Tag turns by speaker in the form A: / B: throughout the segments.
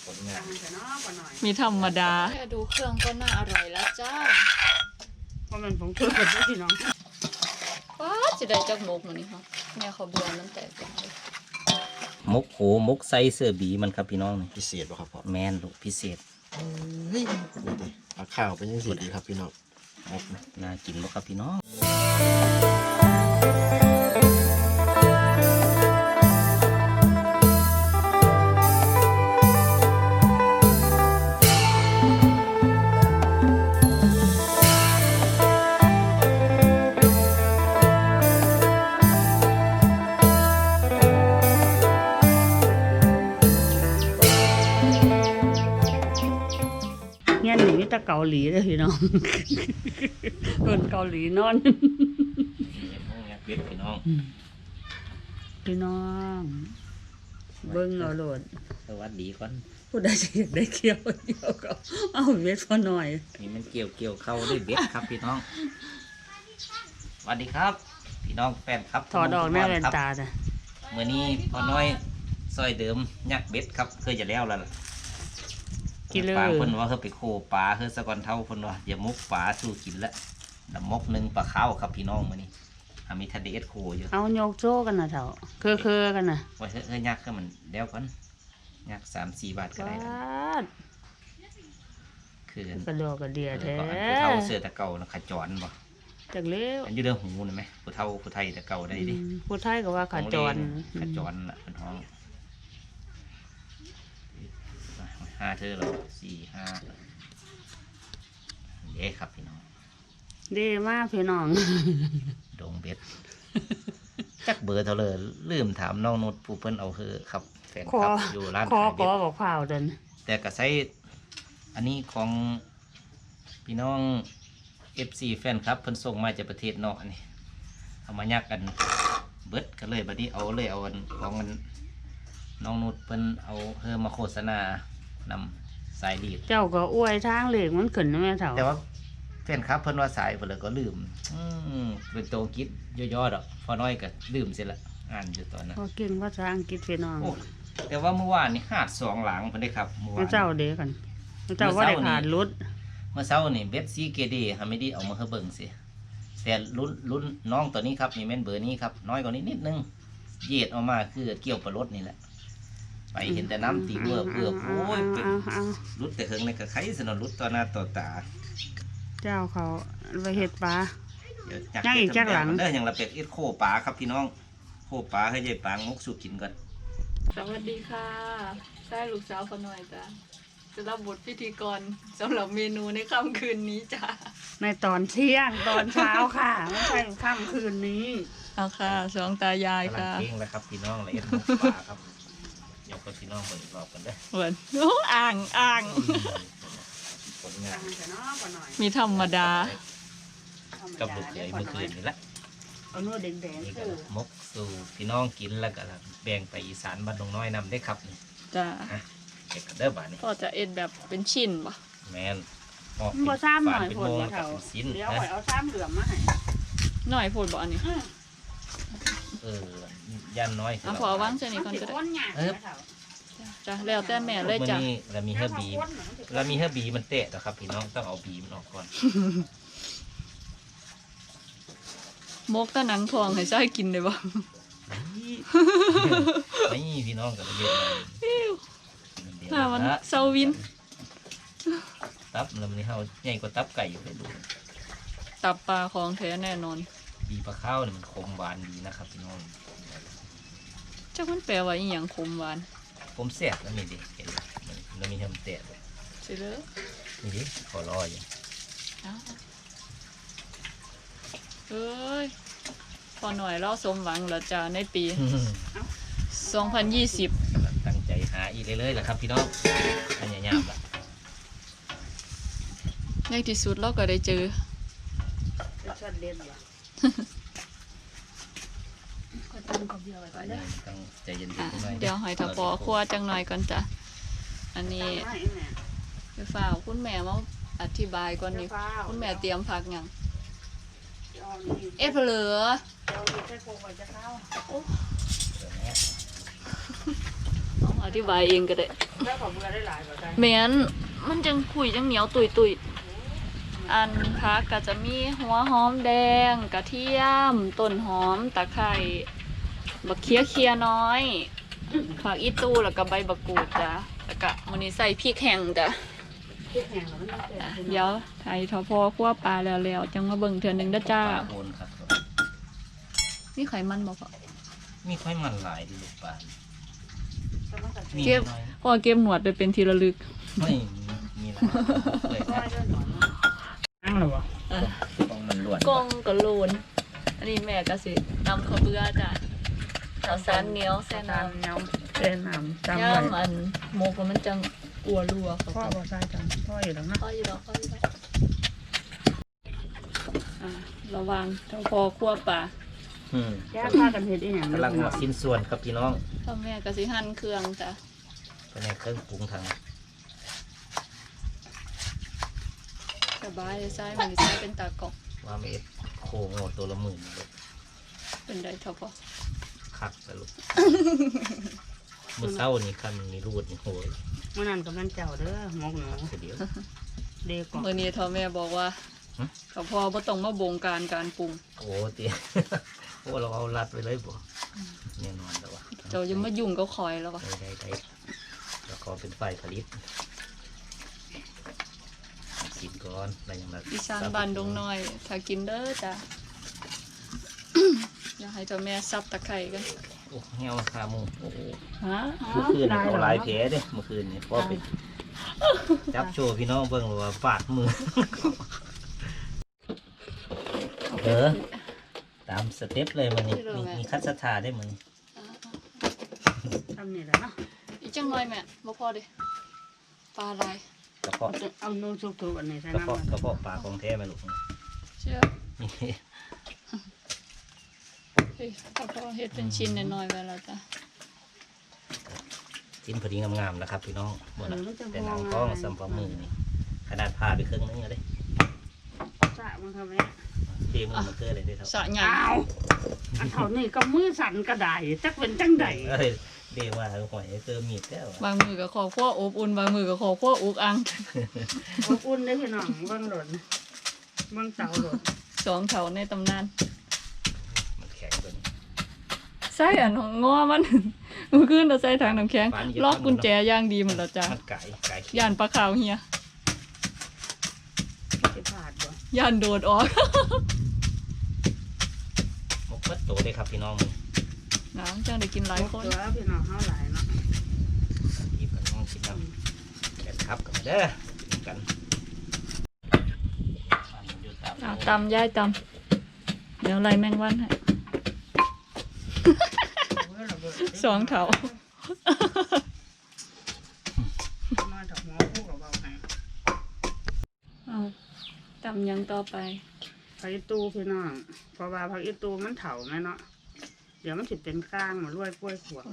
A: ผลงาน
B: มีธรรมดาแค่ดูเครื่องก็น่าอร่อยแล้วจ้า
C: เพราะมันผงชูรสด้วยพี่น้อง
B: ว้าจะได้จักมกมันนี่ค่ะแม่เขาเบื่อน้ำแตกเลย
A: มกโหมกไซเสื้อบีมันครับพี่น้อง
D: พิเศษป่ะครับพ่อ
A: แมนลูกพิเศษ
D: เฮ้ยดูดิเอาข้าวเป็นยังสีดีครับพี่น้อง
A: มกน่ากินบ่ครับพี่น้อง
C: เนี่ยหนีตะเกาหลีเลยพี่น้องคนเกาหลีนอน
A: เบ็ดพี่น้อง
C: พี่น้องเบิ้งเอาโหลด
A: สวัสดีก่อน
C: ผู้ใดจะอยากได้เกี่ยวเดียวก็เอาเบ็ดพอหน่อย
A: นี่มันเกี่ยวเข้าด้วยเบ็ดครับพี่น้องสวัสดีครับพี่น้องแฟนครับ
C: ถอดออกหน้าแว่นตาจ้ะ
A: เมื่อนี้พอน้อยซอยเดิมยักเบ็ดครับเคยจะแล้วล่ะปลาคนว่าเขาไปโคปลาเขาสะก่อนเท่าคนว่าอย่ามกปลาสู้กินละน้ำมกหนึ่งปลาข้าวครับพี่น้องมานี่มีทะเลโคอยู่
C: เอาโยกโจ้กันนะเถ่าคือกันนะ
A: ว่าเฮ้ยยักษ์ก็มันเดี๋ยวก่อนยักษ์3-4 บาทก็ได้คือก
C: ระโดดกระเดียแท้
A: ผู้เท่าเสือตะเก่าขจรบ่
C: จากเลี้ยว
A: อันยืดเรื่องหูนะไหมผู้เท่าผู้ไทยตะเก่าได้ดิ
C: ผู้ไทยก็ว่าขจร
A: ละเป็นห้อง5เธอเรา4-5เย้ครับพี่น้อง
C: ดีมากพี่น้อง
A: ดงเบ็ดจักเบอร์เท่าเลยลืมถามน้องนุชผู้เพิ่นเอาครับแฟนครับอยู่ร้าน
C: ขายเบ็ดบอกข่าวเดิน
A: แต่ก็ใช้อันนี้ของพี่น้อง FC แฟนครับเพิ่นส่งมาจากประเทศนอกอันนี้เอามายักกันเบิดก็เลยบัดนี้เอาของน้องนุชเพิ่นเอามาโฆษณานำสายลีด
C: เจ้าก็อวยทางเหล็กมันขึ้นนะแม่เถ่า
A: แต่ว่าแฟนครับเพิ่นว่าสายเพิ่นเลยก็ลืมเป็นตัวคิดย่อๆดอกพอน้อยก็ลืมเสียละอ่านอยู่ตอนนั้น
C: ก็เก่งภาษาอังกฤษพี่น้อง
A: แต่ว่าเมื่อวานนี่หาด2 หลังเพิ่นได้ครับเมื่อวาน
C: เจ้าเด้กันเจ้าว่าได้ขาดรุด
A: เมื่อเช้านี่เบ็ดซีเกเดฮะไม่ได้เอามาให้เบิ่งสิแต่ลุ้นน้องตัวนี้ครับนี่แม่นเบอร์นี้ครับน้อยกว่านี้นิดนึงเหยียดออกมาคือเกี่ยวปลารถนี่แหละไปเห็นแต่น้ำตีเบื่อโอ้ยเป็นรุดแต่เฮิงในกระไข่สนรุดต่อหน้าต่อตา
C: เจ้าเขาไปเห็ดปลา
A: ย่างอีกจักหลังเด้ออย่างละเป็ดเอ็ดโคปลาครับพี่น้องโคปลาให้ยายปางมุกสุกินก่อน
B: สวัสดีค่ะได้ลูกสาวคนหน่อยจ้ะจะรับบทพิธีกรสำหรับเมนูในค่ำคืนนี้จ้ะ
C: ในตอนเที่ยงตอนเช้าค่ะไม่ใช่ค่ำคืนนี้
B: เอาค่ะสองตายายค่ะ
A: เก่งแล้วครับพี่น้องละเอ็ดปลาครับยกไปพี่น้องคนอีกรอบกันเด้อ
B: เหมือนโอ้อ่าง
A: ผลงาน
B: มีธรรมดา
A: กับลูกใหญ่เมื่อคืนนี่แหละ
C: เอาโน่แดง
A: ๆมกสู่พี่น้องกินแล้วก็แบ่งไปอีสานบ้านดงน้อยนำได้ครับนี่
B: จ้า
A: เด็กเด้อบ้านนี้
B: ก็จะเอ็ดแบบเป็นชิ้นป่ะ
A: แมน
C: พอซ้ำหน่อยผลมาเถอะเดี๋ยวเอาซ้ำเหลือมมาให้
B: หน่อยผลบ่อันนี้
A: ยันน้อย
B: พอว่างเช่นนี้ก่อนก็ได้จ้ะแล้วแต่แม่เลยจ้ะ
A: เรามีเฮอร์บีมันเตะนะครับพี่น้องต้องเอาบีมันออกก่อน
B: มกตะหนังทองให้ใช้กินได้บ่
A: นี่พี่น้องกับเด็ก
B: ถ้ามันเซาวิน
A: ตับแล้วมันนี่เขาใหญ่กว่าตับไก่อยู่เลยดู
B: ตับปลาของแท้แน่นอน
A: บีปลาข้าวเนี่ยมันคมหวานดีนะครับพี่น้อง
B: เจ้ามันแปลว่าอีหยังคมหวาน
A: ผมแสบแล้วนี่ดิเห็นแล้วมีทำเตะเลย
B: ใช่เลย
A: นี่ดิขอรออย่าง
B: เฮ้ยพอหน่อยเราสมหวังแล้วจ้าในปี2020
A: ตั้งใจหาอีกเลยแหละครับพี่น้องอันยามละ
B: ในที่สุดเราก็ได้เจอ
C: ชวนเล่นว่ะ
A: ต้องใจเย็นๆ
B: เดี๋ยวหอยทะพอคั่วจังหน่อยก่อนจ้ะอันนี้ไปฝ่าคุณแม่มาอธิบายก่อนนี่คุณแม่เตรียมผักยังเหลืออธิบายเองก็ได้
C: แล้วขอเบื่อได้หลายบ่ได้
B: แม้นมันจังคุยจังเหนียวตุยๆอันพักก็จะมีหัวหอมแดงกระเทียมต้นหอมตะไคร้บักเคียน้อยผักอีตูแล้วก็ใบบักกูดจ้ะแล้วก็มื้อนี้ใส่พริกแห้งจ้ะ
C: พริกแห้งแล้วมันแซ่บ
B: เดี๋ยวไทยทอพอคั่วปลาแล้วจังมาเบิ่งเทื่อหนึงเด้อจ้า
A: ปลาโอนครับ
B: นี่ไขมันบ่พอ
A: มีค่อยมันหลายดีลูกปลา
C: แต่มันก็
A: มี
B: เก็บ
A: น้อย
B: พอเก็บหนวดไปเป็นที่ระลึก
A: ไม่มีหลายเลย
C: ซอยด้วยหนอนนั่งหรอวะ
A: ต้องมันล้วน
B: กองกะโลนอันนี้แม่ก็สิตำข้าวเบื่อจ้ะข้าวสารเหนียวแซ่น้ำ
C: เงาเส้นน้ำจำไว้
B: ย่ำอันหมกแล้วมันจังอัวรัวเขา
C: พ่อ
B: ก็
C: บ่ใส่จังพ่ออยู่แล้วนะ
B: ค่อยอยู่ดอกค่อยอยู่ดอกระวังถ้าพอคั่วปลา
A: อืม
C: แยกพากันเฮ็ดอีหยัง
A: กำลังหัวชิ้นส่วนครับพี่น้อง
B: พ่อแม่ก็สิหั่นเครื่องจ้ะ
A: เป็นในเครื่องปรุงทาง
B: สบายเลยใส่มันสิใส่เป็นตากอก
A: ว่าเม็ดโคงดตัวละหมื่นเลย
B: เป็นได้เท่าพอ
A: คักสรุปมื้อเช้านี่คันมีรูดนี่โหย
C: เมื่อนั้นก็มันเจ้าเด้อหมกหนู
A: คือเดียว
C: เด็กก่อน
B: มื้อนี้เท่าแม่บอกว่า
A: ฮะ
B: ก็พอบ่ต้องมาบงการการปรุง
A: โอ้เตี้ย โอ้เราเอารัดไปเลยบ่แน่นอนแล้ววะ
B: เจ้าอย่ามายุ่งก็คอยแล้วว่ะ
A: ได้แล้วก็เป็นฝ่ายผลิตกินก่อนอะไรอย่างนั้น
B: อีสานบ้านดงน้อย ถ้ากินเด้อจ้ะ อยากให้เจ้าแม่ซับตะไคร้กัน
A: โอ้เหี่ยวขาหมูโอ้โห
B: ฮะ
A: เมื่อคืนนี่เอาหลายแผลเด้เมื่อคืนนี่พอไปจับโชว์พี่น้องเบิ่งเลยว่าฟาดมือ ตามสเต็ปเลยมันนี่มีคัดสถาได้มันนี่
C: ทำนี่แหละเนาะ
B: อีกจังหน่อยแม่บ่พอเด้ปลาลาย
A: กระเพาะ
C: เอานูสุกๆอันนี้ใส่
A: กระ
C: น้ำ
A: เพาะ
C: มัน
A: กระเพาะปลาของแท้ไหมลูก
B: เชื่อเฮ้ยถ้าพอเฮ็ดเป็นชิ้นน้อยๆไว้แล้วจ้ะ
A: ชิ้นพอดีงามๆนะครับพี่น้องหมดละแต่หนังท้องสัมผัสมือนี่ขนาดผ่าไปครึ่งนึงเลย
C: สะมันทำไม
A: เทมือมันเกิดอะไรได้เท่า
B: สะใหญ่
C: อ้าวอันเท่านี้ก็มือสั่นกระไดจักเป็นจังใด
A: เอ้ยเรียกว่าหอยเติมมีดแล้ว
B: บางมือก็ขอคั่วอบอุ่นบางมือก็ขอคั่วอุกอัง
C: อบอุ่นได้อพี่น้องเบิ่งหล่นเบิ่งเตาหล่น
B: สองเถาในตำนาน
A: มันแข็งตัวนี้
B: ใส่อันของง้อมัน เมื่อคืนเราใส่ถังน้ำแข็งล็อกกุญแจอย่างดีหมดแล้วจ้ะ
A: มันไก่ขี้
B: ย่านปลาขาวเฮีย
C: สิพลาดบ่
B: ย่านโดดออก
A: มกมัดโตเลยครับพี่น้อง
B: น้ำจังได้กินหลายคน
C: ตัวพี่น้องเฮาหลายเนาะ
A: หยิบกันน้องกินน้ำแกนครับกันเด้อกินกัน
B: ตำย่ายตำเดี๋ยวไล่แมงวันให้ สองเถา
C: น้อยดอกหมอพูดกับเบาให้
B: เอาตำยังต่อไป
C: ผักอีตูพี่น้องเพราะว่าผักอีตูมันเถาแม่เนาะเดี๋ยวมันสิเป็นก้างมารวยกล้วยขวด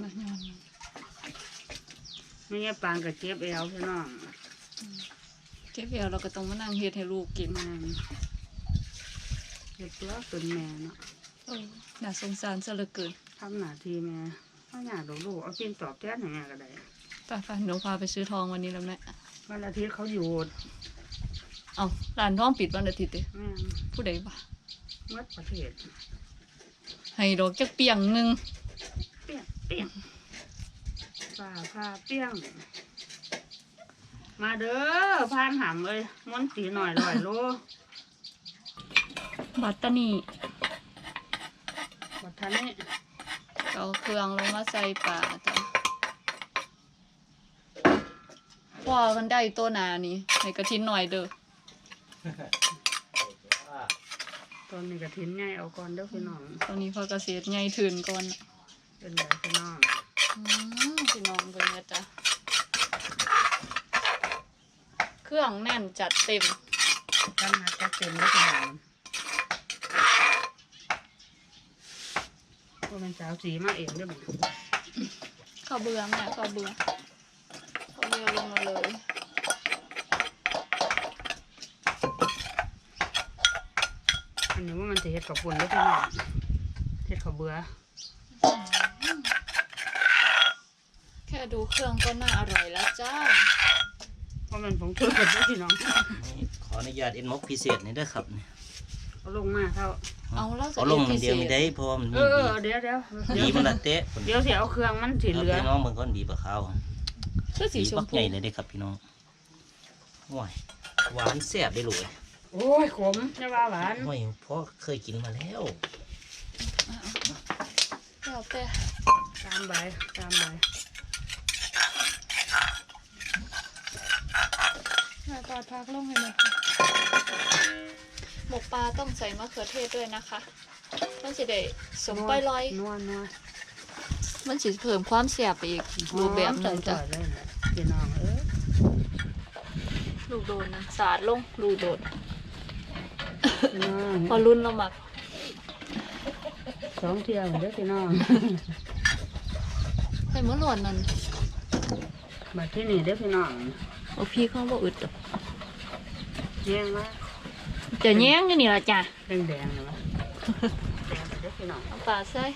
C: ไม่งั้นปางกับเจี๊ยบเอวพี่น้อง
B: เจ๊เพียวเราก็ต้องมานั่งเฮ็ดให้ลูกกิน
C: แม่นเฮ็ดตัวเป็นแม่เนาะ
B: น่าสงสารซะเหลือเกิน
C: ทำหน้าที่แม่ถ้าอยากลูกเอากินตอบแทนให้แม่ก็ได้
B: ไปหนูพาไปซื้อทองวันนี้แล้วแม่
C: วันอาทิตย์เขาหยุด
B: เอาร้านทองปิดวันอาทิตย์เด้
C: แม่น
B: ผู้ใดบ่า
C: เมื่อประเทศ
B: ให้ดอกจักเปียงหนึง
C: เปี้ยงเปี้ยงฝ่าผ้าเปี้ยง มาเด้อพานหำเอ้ยม้วนตีหน่อย100 โล
B: บัตตานี
C: บัดทันนี้
B: เอาเครื่องลงมาใส่ปลาจ้ะว่ากันได้ตัวหนานี่ให้กระทินหน่อยเด้อ
C: ตอนนี้กระถินใหญ่เอาก่อนเด้อพี่น้อง
B: ตอนนี้พอเกษตรใหญ่ถึนก่อน
C: เป็นไรพี่น้อง
B: พี่น้องเบิ่งนะจ๊ะเครื่องแน่นจัดเต็ม
C: ท่านนัดจะเต็มแล้วพี่น้องก็เป็นสาวสีมาเองเด้วยมั้ง
B: ข้าวเบื่อแม่ข้าวเบื่อลงมาเลย
C: อันนี้ว่ามันจะเฮ็ดกับปุ่นแล้วพี่น้องเฮ็ดกับเบื่อ
B: แค่ค่ดูเครื่องก็น่าอร่อยแล้วจ้า
C: เพราะมันผงชูรสด้วยพี่น้อง
A: นี่ขออนุญาตเอ็นมกพิเศษนี่เด้อครับนี่
C: เอาลงมาเท่า
B: เอาแล้วจะ
A: เอาลงมันเดียวไม่ได้เพราะว่ามัน
C: เอ
A: มี
C: อเดี๋ยว
A: ดีมันละเตะ
C: เดี๋ยวสิเอาเครื่องมันสิ
A: เอา
C: เหลือ
A: พี่น้องมันก็ดีปะข้าว
B: คือสี
A: ดี
B: ช
A: บั
B: ม
A: ก
B: พู
A: ใหญ่เลยเด้อครับพี่น้องว้ายหวานแซ่บได้เลย
C: โอ้ยขมจะว่าหวาน
A: โอ้ยพ่อเคยกินมาแล้ว
B: แล้วแต่
C: ตามใบ
B: แม่ปลาพักลงให้หมดหมกปลาต้องใส่มะเขือเทศด้วยนะคะมันสิได้สมไปลอย
C: นัว
B: มันสิเพิ่มความแซ่บไปอีกรูปแบบหนึ่งจ้ะ
C: หอมเลยนะพี่น้อง
B: ลูกโดนนะสาดลงลูกโดน
C: พี่น้อง
B: พอรุ่นเราหมัก
C: 2 เที่ยวเด้อพี่น้อง
B: ใส่มะหลวนนั่น
C: มาที่นี่เด้อพี่น้อง
B: เอาพี่เขาบ่อึดดอก
C: แย่งว่า
B: จะแย้งอยู่นี่ล่ะจ้ะ
C: แดงๆนะวะแดงเด้อพี่น้อง
B: เอาปลาใส่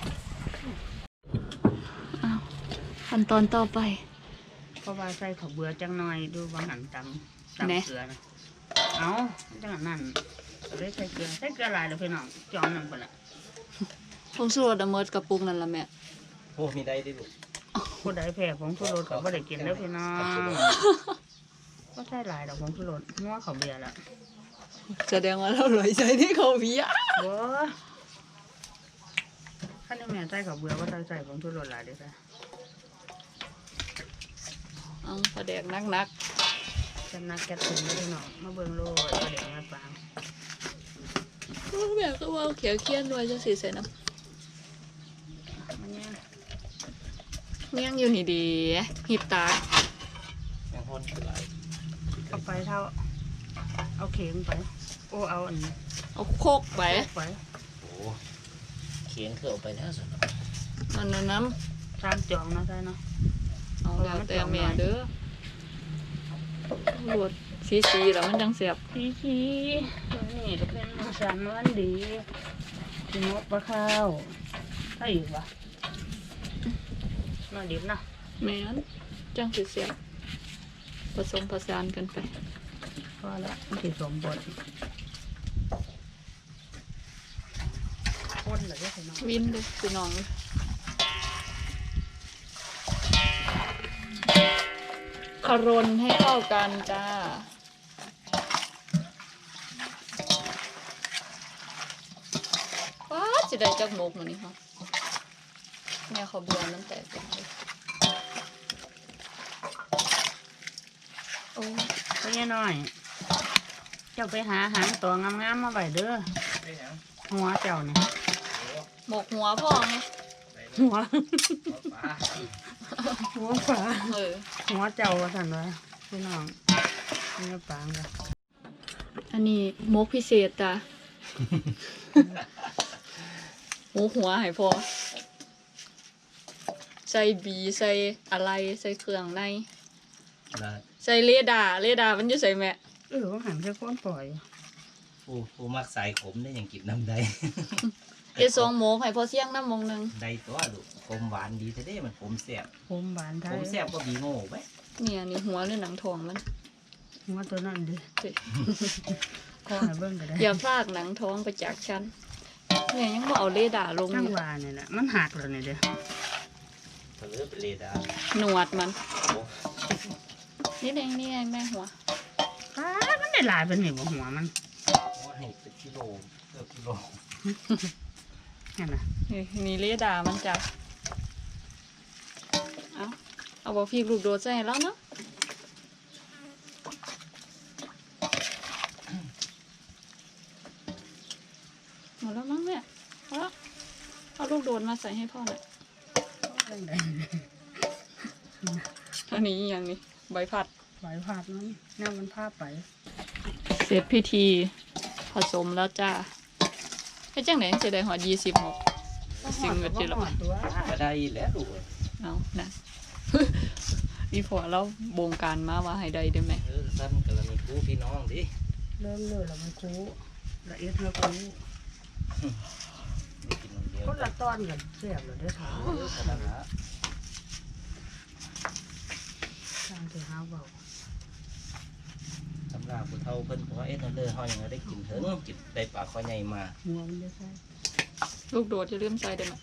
B: อ้าวขั้นตอนต่อไป
C: เพราะว่าใส่ข้าวเบื่อจังหน่อยดูบางหันตำ
B: แหน่
C: เกลือนะเอาจังหันนั่นก็เลยใส่เกลือหลายแล้วพี่น้องจองหนึ่งไปละ
B: ผงชูรสอะเมิดกระปุกนั่นล่ะแม่
A: โอ้มีได้ดิลูก
C: ผู้ใดแพ้ผงชูรสก็บ่ได้กินแล้วพี่น้องก็ใส่หลายดอกผงชูรสงัวข้าวเบียร์ละ
B: แสดงว่าเราเลยใจที่เขาเพีย
C: บ่คันนี้แม่ใส่ข้าวเบื่อว่าใส่ผงชูรสหลายเด้อจ้ะ
B: เอาปลาแดกนัก
C: จำนักแกะถึงแล้วพี่น้องมาเบิ่งโลดประเดี๋ยวมาฟัง
B: ๆแม่ก็ว่าเขียวเคี้ยนด้วยจังสิใส่น้
C: มันเนี่ย
B: ำเมี่ยงอยู่นี่ดีหิบตา
A: ยังห้นคือไร
C: เอาไปเท่า เอาเข็งไป โอ้เอาอันนี้
B: เอาโคกไป
C: ไป
A: โอ้เขียนคือเอาไปแล้วสิ
B: มันนั้นน้
C: ตามจองเนาะใช่เนาะ
B: ำเอาแล้วแต่แม่เด้อรวดสีๆแล้วมันจังเสียบ
C: พี่นี่จะเป็นสันวันดีที่มกปลาข้าวถ้าอีกวะมาดิบเนาะ
B: แม่นจังสิเสียบผสมผสานกันไป
C: พอละมันสิสมบทคนเหรอเนี่ยพี่น้อง
B: วินเลยพี่น้องเลยคารนให้เข้ากันจ้าว้าจะได้จักหมกมันนี่ค่ะแม่เขาเบื่อมันแตกไปเลยโอ้
C: ก็ยังน้อย เจ้าไปหาหางตัวงามๆมาไว้เด้อหัวเจ้าเนี่ย
B: หมกหัวพ่อไง
C: หัว
A: ปลา
C: หัวปลา
B: เออ
C: หัวเจ้าว่าสั่นวะพี่น้องนี่ปางกัน
B: อันนี้หมกพิเศษจ้ะ หมูหัวให้พอใส่บีใส่อะไรใส่เครื่องใน
A: ละ
B: ใส่เรดาร์มันอยู่ใส่แม่
C: ว่าหันแค่ก้นปล่อย
A: ผู้มักสายขมได้อย่างกินน้ำได้
B: เอสองหมกให้พอเสี่ยงน้ำมงหนึง
A: ได้ตัวลูกขมหวานดีแท้ๆมันขมแซ่บ
C: ผมบานไท
A: ข
C: ย
A: มแซ่บก็บีโง่ไป
B: เนี่ยนี่หัวหรือหนังทองมัน
C: หัวตัวนั่นดิ
B: เฮ้ย
C: ข้อให้เบิ่งก็ได้
B: อย่าพลากหนังท้องไปจากฉันเนี่ยยังบ่เอาเรดาร์ลง
C: จัง
B: อยู่
C: หวานี่แหละมันหักแล้วนี่เด้อ
A: เธอเป็นเลดา
B: หนวดมัน
A: โอ้
B: นี่เองนี่ไงแม่หัว
C: อ้ามันได้หลายเป็นนี่บ่หัวมัน
A: ให้เป็นกิโลเกือบกิโล
C: นี่นน่ะ
B: นี่เรดาร์มันจ้ะเอาบอกพี่ลูกโดดใส่ให้แล้วเนาะหมดแล้วมั้งเนี่ยเอาละเอาลูกโดดมาใส่ให้พ่อหน่อย
C: จังได
B: อันนี้อหย่างนี้ใบผัด
C: ไหวผาดมันแนวมันพาไป
B: เสร็จพิธีผสมแล้วจ้าไอ้จังไหนจะได้หอด20หมก สิ่งเกิดขึ้นแล้ว
C: ตัว
A: ก็ได้แล้วลูก
B: เอานะ อีพอเราบงการมาว่าให้ได้ได้ไหม
A: สั้นกรณีคู่พี่น้องดิ
C: เริ่มเลยแล้วมันคูละเอียดแล้วคู
A: ได้กินคนเดียว
C: คนละตอนกันเสียบเลยเด้อค่ะ
A: ขนาดนั้น
C: ทางที่หาเบา
A: สำหรับผู้เฒ่าเพิ่นก็ว่าเอ๊ะนั่นเลยเฮายังได้กินเถิงกินได้ปลาข้อใหญ่มา
C: หัวมันจะใส่
B: ลูกโดดจะลืมใส่ได้ไหม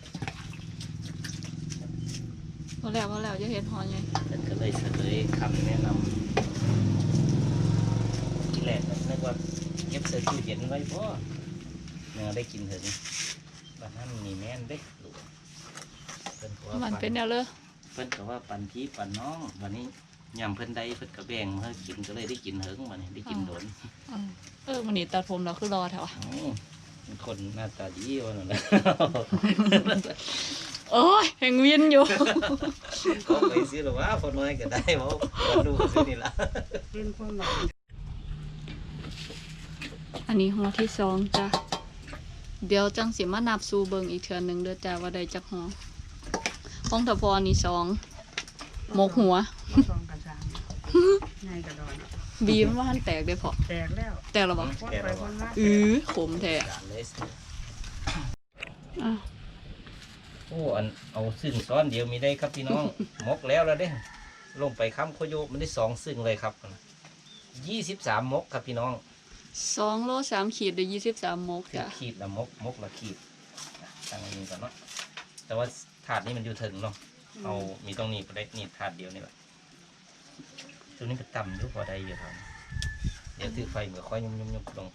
B: พอแล้วจะเห็นหอยไง
A: เพิ่นก็เลยเสนอคำแนะนำที่แรกก็นึกว่าเก็บเสื้อตู้เย็นไว้บ่ยังได้กินเถิงบ้านนั้นนี่แม่นเด้ลูกเพิ่นก็ว่า
B: มัน
A: ปั
B: เป็นแนวเลย
A: เพิ่นก็ว่าปันพี่ปันน้องวันนี้ยำเพิ่นได้เพิ่นก็แบ่งมาให้กินก็เลยได้กินเถิงวันนี้ได้กินโดน
B: มันนี่ตัดผมเราคือรอแถวะ
A: อ๋อเป็นคนหน้าตาดีวันนั้นแหละ
B: โอ้ยแห่งเวียนอยู่
A: เขาไปซื้อหรอวะพอน้อยก็ได้เพราะดูซื้อนี่ละ
C: เป็นคนแบบ
B: อันนี้หัวที่สองจ้ะเดี๋ยวจังสิมานับสู่เบิงอีกเทือนหนึ่งเด้อจ้าว่าได้จักหัวของตะพอนี่สองหมกหัว
C: มาซองกระซังไงกระดอน
B: บีมว่าหันแตกได้พอ
C: แตกแล้ว
B: แตกแล้วบ่
C: คนไปคนมา
B: ขมแท้
A: จานเลย
B: อ่ะ
A: โอ้อันเอาซึ่งซ้อนเดียวมีได้ครับพี่น้อง มกแล้วเด้ลงไปค้ำโคโยมันได้สองซึ่งเลยครับ23 มกครับพี่น้อง
B: 2 โล 3 ขีดได้23 มก
A: คือ
B: จ้ะ
A: ขีดละมกละขีดตั้งอันนี้ก่อนเนาะแต่ว่าถาดนี้มันอยู่ถึงเนาะเอามีตรงนี้ไปได้นี่ถาดเดียวนี่แหละตัวนี้ก็ต่ำอยู่พอได้อยู่ครับเดี๋ยวถือไฟเหมือนค่อยยุ่มลง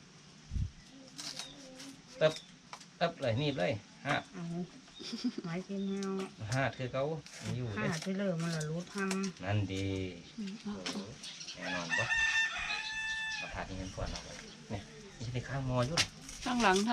A: ตับเลยนี่เลยห้า
C: เอาไม้กินแมว
A: ห้าคือเขาอยู่
C: ห้า
A: เลย
C: ที่เลิกมันละรูดพัง
A: นั่นดี
B: อืมเอา
A: แน่นอนปะเอาถาดนี้เงินพวนเราเลยเนี่ยนี่ในข้างมออยู่
B: ข้างหลัง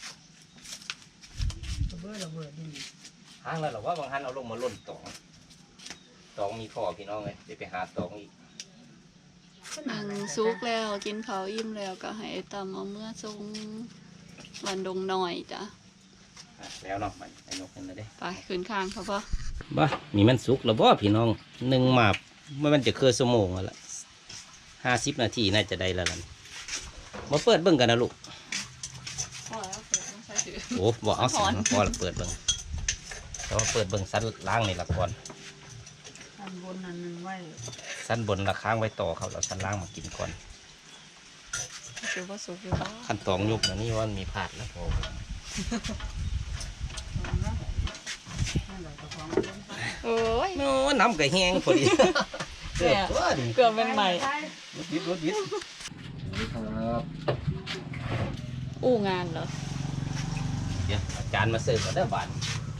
C: ระเบิดดิน
A: ห้างแล้วหรอว่าบางท่านเอาลงมาล่นตองมีพ่อพี่น้องเลยไปหาตองอีก
B: ซุกแล้วกินข้าวอิ่มแล้วก็ให้ไอ้ตำเอาเมื่อทรงวันดงหน่อยจ้ะ
A: แล้วเนาะมันไอ้นกนั่นเลยเด้
B: ไปขึ้นข้างเขาปะ
A: บ้ามีมันสุกแล้วบ่พี่น้องหนึ่งมามันจะคือชั่วโมงละ50 นาทีน่าจะได้แล้วล่ะมาเปิดเบิ่งกันนะลูก
B: พอแล้วเปิดต้องใส่ถือ
A: โอ้บอกเอาสิพอแล้วเปิดเบิ่งแต่ว่าเปิดเบิ่งสั้นล่างนี่ละก่อน
C: อันบนอันนึงไว้
A: สั้นบนละค้างไว้ต่อเขาแล้วสั้นล่างมากินก่อน
B: ถือว่าสุกอยู่บ้าง
A: ขั้นตอนยุบนะนี่ว่ามีผาดแล้วโอ้
C: นั่นแหละกระของ
B: โอ้ย
A: โน้น้ำก็แห้งพอดีเกือบตัวดิ
B: เกือบเป็นใหม่
A: รถยิดครับ
B: อู้งานเหรอ
A: เดี๋ยวอาจารย์มาเสิร์ฟกันได้อบาท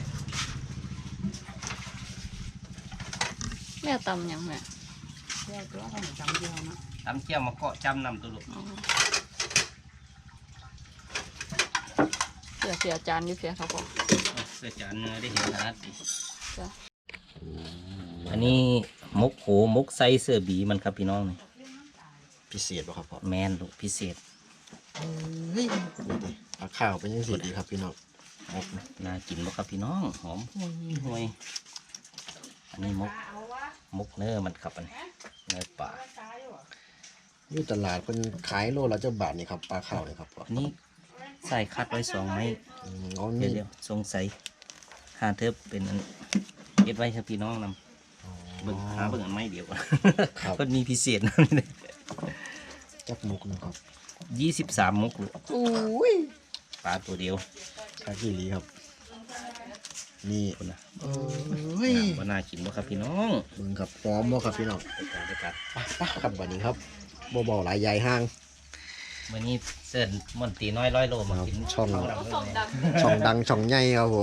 B: แม่ตำยังแม่
C: แค่ตัวของจำเดียวนะ
A: ทำเที่ยวมาเกาะจำนำตัวลูก
B: อ๋อเสียจานอยู่เสียเขาบอก
A: เสื้อจานเนื้อได้เห็นขนาดนี้
B: จ้ะ
A: อันนี้มกโหมกไซเสื้อบีมันครับพี่น้องนี่
D: พิเศษป่ะครับพ่อ
A: แมนลูกพิเศษ
D: เฮ้ยนี่ดิปลาข้าวเป็นยังสีดีครับพี่น้องมกนะ
A: น่ากินบ่ครับพี่น้องหอมห่วยอันนี้มกเนื้อมันครับอันนี้เนื้อป่า
D: อยู่ตลาดเป็นขายโลละเจ้าบาทนี่ครับปลาข้าวนี่ครับพ่อ
A: อันนี้ใส่คัดไว้2 ไม้
D: อ๋อมี
A: เดี๋ยวสงสัยหาเทิบเป็นอันเก็บไว้ครับพี่น้องนำเบิ่งหาเบิ่งอันไม้เดียวก่อน
D: ครับ
A: มันมีพิเศษนะ
D: จักมุกนะครับ
A: 23 มกลูก
D: อุ้ย
A: ปลาตัวเดียว
D: คากิลีครับ นี่
A: คนนะ
D: โอ้ย
A: ว่าน่ากินบ่ครับพี่น้อง
D: มึงครับพร้อมบ่ครับพี่น้อง
A: ไปกัน
D: ไปครับวันนี้ครับบ่ๆหลายใหญ่ห้าง
A: วันนี้เสิร์นมอนตีน้อย100 โลมากิน
D: ช่อง
A: ข้าวดำ
B: ส่งดัง
D: ช่องดังช่องใหญ่ครับผม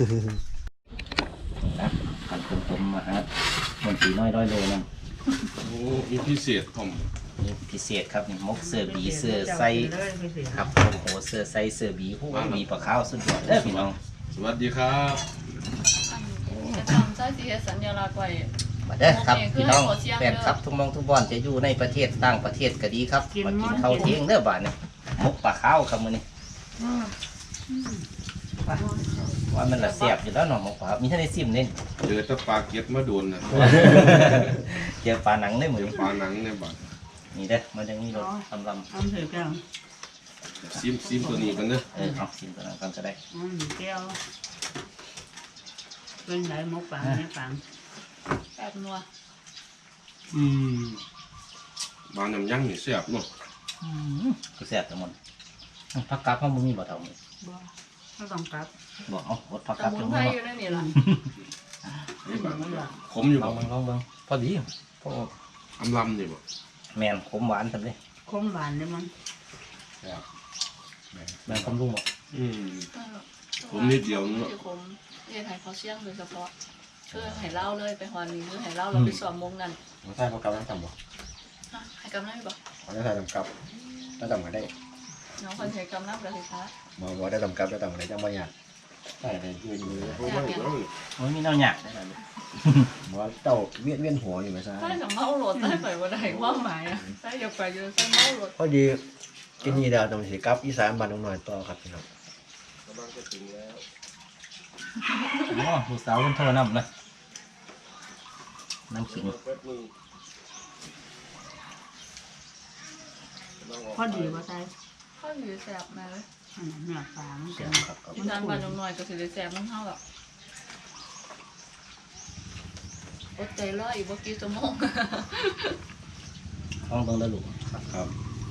A: นะขันผมมาฮะมอนตีน้อย100 โลนั่น
E: โอ้มีพิเศษผม
A: นี่พิเศษครับนี่มกเสื้อบีเสื้อไซ
C: เลยพิเศษ
A: ครับโอ้โหเสื้อไซเสื้อบีผู้บีปลาขาวสุดยอดเด้อพี่น้อง
E: สวัสดีครับ
B: จะทำใช้สีสัญลักษณ์ไว้
A: มาเด้อครับ
B: โอเค
A: พี่น้อง
B: คือให้ขอเสียง
A: แฟนครับทุกมองทุกบอนจะอยู่ในประเทศต่างประเทศก็ดีครับมากินข้าวเที่ยงเด้อบาดนี่มกปลาขาวครับมื้อนี้ว่ามันละเสียบอยู่แล้วเนาะมกปลามีท่านได้ซิมเน่น
E: เจอแตะปลาเก็ตมาโดนนะ
A: เจอปลาหนังได้เหมือน
E: เจอปลาหนังในบัตร
A: นี่เด้อมันยังมีรสลำ
C: ทำถือกัน
E: ซิมตัวนี้กันเนอะ
A: เอาซิมตัวนั้นกันก็ได้
C: แก้วเป็นไหนมกปังเนี่ยปัง
B: แปดนัว
E: บางน้ำยั่งนี่แซ่บเนาะ
A: ก็แซ่บทั้งหมดผักกาดเขามึงมีบ่เท่ามึง
C: บ่ไม่ต้องกลับ
A: บอกเอาอดผัก
B: ส
A: กาด
B: มุ
A: จั
B: น
A: ง
B: ไพร
A: เนาะ
B: อยู่ในนี่ล่ะ
E: นี่บาง
C: มันหลับ
E: ขมอยู่
A: ล
E: บ่
A: องเบิ่งลองเบิ่งพอดีพอ
E: อำลำนี่บ่
A: แมนขมหวานทำเลย
C: คมหวานเลยมัน
A: แมนขมลุงบ่
E: ผมนิดเดียวนึง
B: ที่ผมเรียนไทยเขาเชี่ยงโดยเฉพาะคือให้เล่าเลยไปฮอนนี่คือให้เล่าเราไปสอบมงนั่น
D: ผมใส่เขากลับน้ำจำบ่
B: ให้กำนับบ่
D: เขาจะใส่จำกับถ้าจำกันได้
B: น้องคนใช้กำนับกับสิคะ
D: บ่ได้จำกับได้จำกันได้จังบ่ยากใส่ได้ยืนมือ
E: เพราะว่าเดี๋ยว
A: มันมีแนวหยากได้ล่ะ
D: บ่เจ้าเวียนหัวอยู่ไหมซ่า
B: ถ้าจะเมาโหลดได้ไปว่าได้ความหมายอ่ะใช่อย่าไปอยู่ใช่เมาโหลด
D: พอดีกินนี่ดาวตรงสิกลับอีสานบ้านน้อยต่อครับพี่น้อง
E: กำลังจะถึงแล้ว
A: อ๋อลูกสาวคนโทรนำนะน้ำขิง
E: แป๊บนึง
C: พอดีบ่ใส่
B: ข้าวอยู่แซ่บมาเลย
C: อันนั้นเนื้อปลามัน
A: เสี
C: เป็
A: ย
C: น
A: งครับครับ
B: อีสานบ้านน้อยก็สิได้แซ่บน้ำเฮาหรอกอดใจรออีกบ่กี่ชั่วโมง
A: ลองเบิ่งแล้วลูก
E: ครับ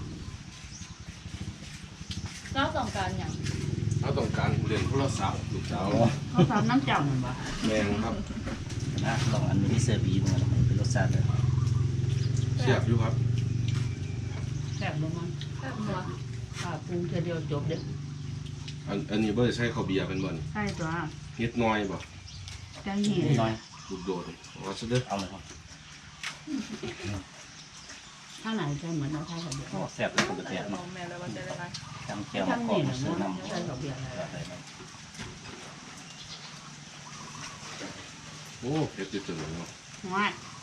B: เราต้องการหยัง
E: เราต้องการเรียนโทรศัพท์ลูกสาว
C: เขาทำน้ำเจ้าเหมือนบ่
E: แมงครับ
A: นะลองอันนี้เซอร์บีมันเป็นรสชาติเลย
E: แซ่บอยู่ครับ
C: แซ่บบ่มัน
B: แซ่บนัว
C: ปลาปรุงเทีเดียวจบเด้อ
E: อันนี้บ่ได้ใช้ข้าวเบียร์เป็นบ่น
C: ใช่ตัว
E: นิดหน้อยบ่
C: จังหี
A: นิดหน่อย
E: ลูกโดดเอาซะเด้อ
A: เอาเลยครับ
C: ข้างไหนใช่เหมือนเราใช่กับเดียว
A: โอ้แซ่บเลยคุณ
B: แต่
A: แซ่บ
B: มอ
A: เนาะ
B: งแม่แล้วว่าจะได้ไร
A: จำแก้วมา
C: ข้าง
A: ก่อ
C: นี้
A: น
C: นะ
A: ซื้อ
C: มัน
A: น้ำ
C: ใช่กับเดียวอะไร
E: โอ้เผ็ดจังเลยเนาะ
C: ง่าย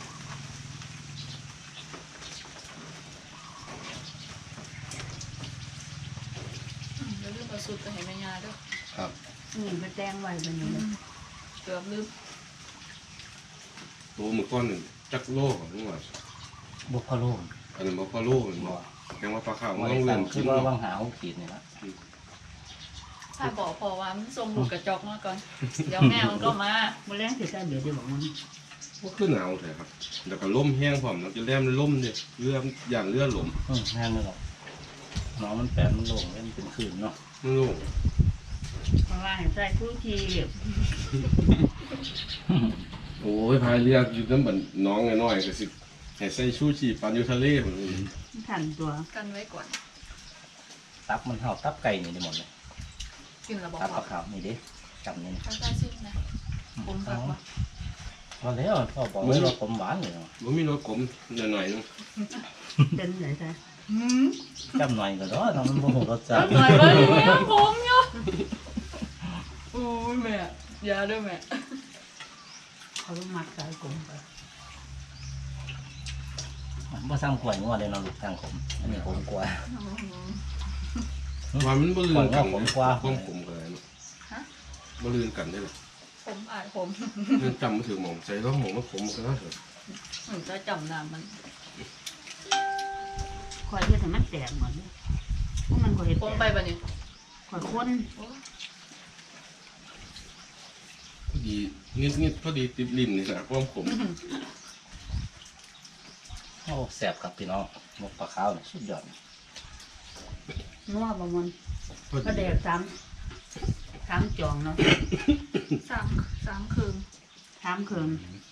B: แล้วลืมเอาสุดไปให้แม่ยาด้วย
E: ครับ
C: นี่ไปแตงไว้เป็นยังไง
B: เกือบลืม
E: ตัวมื้อก่อนนี่จักโลของนี่ว่า
A: บุกพะโล่
E: อันนั้นบ่พอโลแม่นบ่แกงว่าปลาขาว
A: มา
E: มัน
A: ได้
E: ต้อง
A: สั่
E: เลื่
A: ง
E: อน
A: คื
E: กิ
A: อน ว่า
E: เนาะ
A: วางหาหกขีดนี่ละ
B: ถ้าบอกพอว่ามันทรงลูกกระจอกมาก่อน เดี๋ยวแม่มันก็มา
C: มาแรงสิใส่เดี๋ยวจะบอกมัน
E: บ่คือหนาวแท้ครับแล้วก็ลมแห้งพร้อมแล้วจะแล่มลมเนี่ยเรือย่านเรือลม
A: แน่นเลยหรอกน้องมันแปดมันโล่งแล้วมันเป็นคืนเนาะ
E: มันโล่ง
C: เพราะว่าให้ใส่ทุกที
E: โอ้ยพายเรืออยู่นำบัดน้องน้อยๆก็สิให้ใส่ชูชีปันอยู่ทะเลพุ่นนี่
C: ทันตัว
B: กันไว้ก่อน
A: ตับมันเท่าตับไก่นี่ได้หมดเลย
B: กินแล้วบอก
A: ตับป
B: ว่า
A: ลาขาวนี่เด้จำนี่นะ
B: ข้าวใต้ซิมนะผมผักว่า
A: พอแล้วพ่อบอกว่าผมหวานเลยเนาะ
E: บ่มีรสขมหน่อยๆนึง
C: เป็นไหนใส่
A: จำหน่อยก็ได้เนาะมันบ่ฮู้รสชาติ
B: หน่อยว่าอย่างนี้ผมเนาะโอ้ยแม่ยาด้วยแม่
C: เขาต้องมัดใส่กลมไป
A: บ่ซ้ำขวายงัวเลยเนาะลูกทางผมอันนี้ผมกว่า
E: ว่ามันบ่ลื่นกัน
A: ผมกว่า
E: ความขมกันเลยเนาะบ่ลื่นกันได้หรอ
B: ผมอายผม
E: ยังจำบ่ถึงหม่องใจร้องหม่องมันขมกันแล้วเถอะ
B: หนูจะจำนามมัน
C: คอยเพื่อให้มันแตกหมดเลยเพราะมันคอยเห็ด
B: ผม
C: แต
B: ไป
C: ก
B: บัดนี้
C: คอยค้น
E: พอดีนิดๆพอดีติดลิ้นนี่แหละความขม
A: โอ้แซ่บครับพี่น้องหมกปลาขาวนี่สุดยอด
C: นัวประมัน
E: พอ
C: ก็แด
E: ดี
C: กสามจองเนาะ
B: สามคืน
C: สามเคืน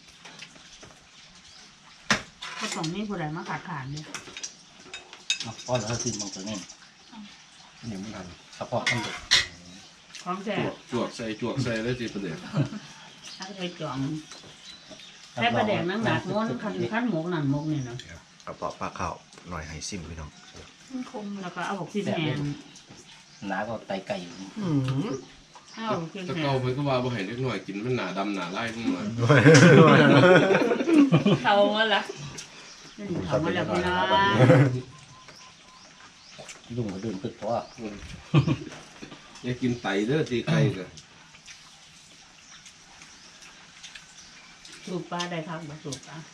C: ก็ต้องมีผู้ใดมาขาดขาดเนี่ย
A: เนาะพอแล้วสิมันตัวนี้
D: นี่มันทัน
A: เฉพาะมันเด็ก
C: ของแท้
E: จวกใส่แล้วสิประเดี๋ยว
C: ถ้าเคยจองแค่ประแดกนั่งหนักม้วนขั้นหมกนั่นหมกนี่เนาะ
D: กระเพาะปลาข้าวหน่อยให้ซิมพี่น้อง
B: คม
C: แล้วก็เอาบอกพี่แหง
A: หนาก็ไตไก่อยู่
C: เอาบอกพี่
E: แตะ
C: แห
E: เกาง เพิ่นก็ว่าบ่ให้เล็กน้อยกินมันหนาดำหนาลายขึ้นมา
B: เขามาละ
C: นี่เขามาแล้วพี่น้อง
A: ลุงก็ดื่มตึกเพราะว่า
E: อย่ากินไตเด้อตีไก่ก็
C: สูบปลาได้ครับบ่สูบปลา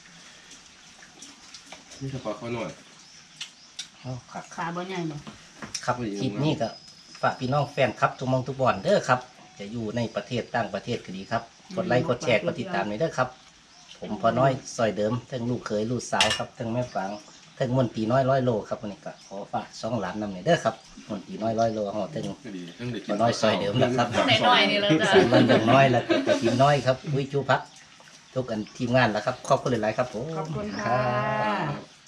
E: นี่เฉพาะเขาหน่อย
A: เอาครับ
C: ปลาบ่ใหญ่บ่
A: ครับคลิปนี้ก็ฝากพี่น้องแฟนครับทุกมองทุกบอนเด้อครับ จะอยู่ในประเทศต่างประเทศก็ดีครับ กดไลค์กดแชร์กดติดตามหน่อยเด้อครับ ผผมพอน้อยซอยเดิมทั้งลูกเคยลูกสาวครับทั้งแม่ฝางทั้งมนตรีน้อย100 โลครับวันนี้ก็ขอฝาก2 หลานนำเนี่ยเด้อครับมนตรีน้อย100 โลห่อทั้ง
E: ก็ดีทั้งเด็ก
A: พอน้อยซอยเดิมนะครับ
B: หน่อยๆนี่แล้วจ้ะ
A: สามวันอย่างน้อยแล้วก็ทีมน้อยครับวิจูพักทุกอันทีมงานแล้วครับขอบคุณหลายๆครับผม
C: ขอบคุณ
A: ค
C: ค่ะ
A: รับ